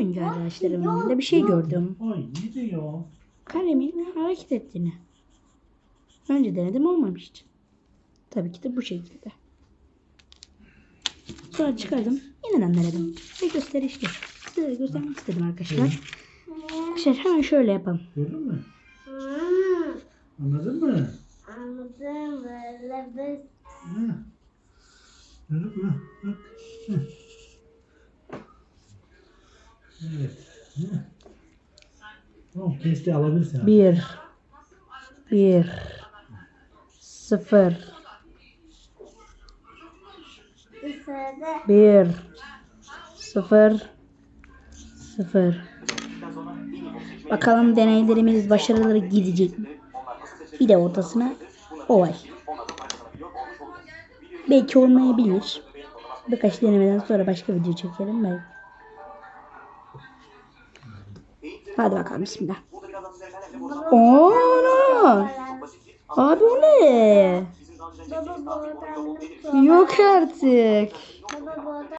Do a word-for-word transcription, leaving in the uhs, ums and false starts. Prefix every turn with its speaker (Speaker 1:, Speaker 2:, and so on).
Speaker 1: oyuncu arkadaşlarımın yanında bir şey gördüm.
Speaker 2: Ay ne diyor?
Speaker 1: Kalemin hareket ettiğini. Önce denedim, olmamıştı. Tabii ki de bu şekilde. Sonra çıkardım. Yeniden denedim. Ve gösterişli. Size de göstermek istedim arkadaşlar. Arkadaşlar hemen şöyle yapalım.
Speaker 2: Gördün mü? Anladın mı?
Speaker 3: Anladım. Böyle bir
Speaker 2: Hı. Gördün mü? Bak. Hı. Evet. Hı. Tamam, kesti alabilirsin. abi.
Speaker 1: Bir. Bir. Sıfır.
Speaker 3: sırada
Speaker 1: Bir. Sıfır. Sıfır. Bakalım deneylerimiz başarılı gidecek mi? Bir de ortasına oval. Belki olmayabilir. Birkaç denemeden sonra başka video çekelim belki. Hadi bakalım, bismillah. Oo, abi o ne?
Speaker 3: baba bu adam
Speaker 1: Yok artık.
Speaker 3: baba bu adam